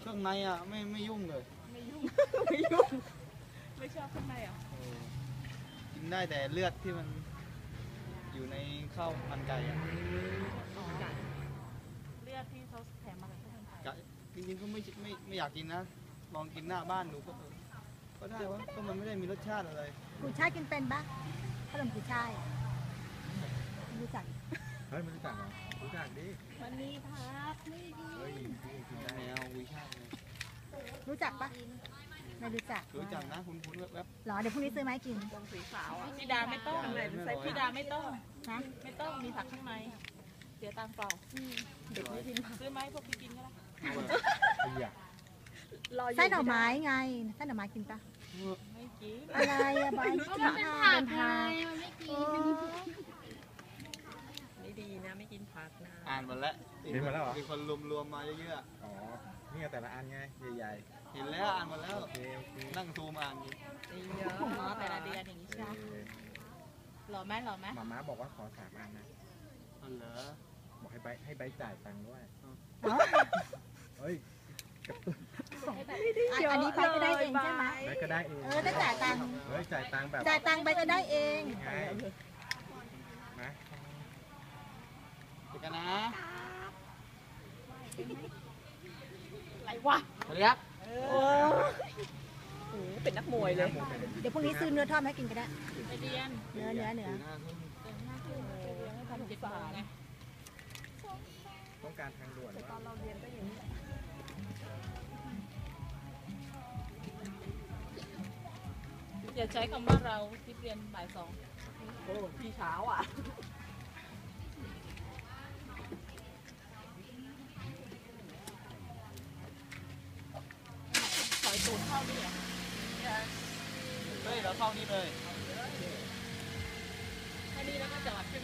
รื่องในอ่ะไม่ยุ่งเลยไม่ยุ่งไม่ยุ่งไม่ชอบข้างในอ่ะกินได้แต่เลือดที่มันอยู่ในข้าวมันไก่อ่ะเลือดที่เขาแถมมาจากข้าวมันไก่จริงๆก็ไม่อยากกินนะลองกินหน้าบ้านดูก็ได้วะก็มันไม่ได้มีรสชาติอะไรกุยช่ายกินเป็นปะขนมกุยช่ายรู้จักเฮ้ยไม่รู้จักเหรอรู้จักดิวันนี้พักไม่ดีเฮ้ยกินได้แนววิชาเลยรู้จักปะไม่รู้จักนะคุณแวบหรอเดี๋ยวพรุ่งนี้ซื้อมาให้กินวงสีขาวอ่ะพี่ดาไม่ต้องพี่ดาไม่ต้องฮะไม่ต้องมีผักข้างในเสียตังค์เปล่าเด็กไม่กินผักซื้อไหมพวกพี่กินก็ได้ไส้หน่อไม้ไงไส้หน่อไม้กินปะไม่กินอะไรอะบอยกินผักเป็นผักไม่ดีนะไม่กินผักนะอ่านหมดแล้วมีคนรวมมาเยอะอ๋อนี่แต่ละอันไงใหญ่ๆเห็นแล้วอ่านหมดแล้วนั่งซูมอ่านอยู่เยอะแต่ละเดือนอย่างนี้ใช่หล่อไหมมาม่าบอกว่าขอ3 อันนะเหรอบอกให้ใบจ่ายตังค์ด้วยเฮ้ยอันนี้ไปก็ได้เองใช่ไหมไปก็ได้เองได้จ่ายตังค์เฮ้ยจ่ายตังค์แบบจ่ายตังค์ไปก็ได้เองไงนะเดี๋ยวกันนะอะไรวะเรียกเป็นนักมวยเลยเดี๋ยวพรุ่งนี้ซื้อเนื้อทอดให้กินก็ได้ไปเรียนเนื้อทำ7 บาทไงต้องการทางด่วนตอนเราเรียนก็อย่างนี้อย่าใช้คำว่าเราที่เรียนบ่าย 2โอ้พี่เช้าอ่ะถอยตูดเข้านี่อ่ะเฮ้ยเราเข้านี่เลยแค่นี้แล้วก็จอดใช่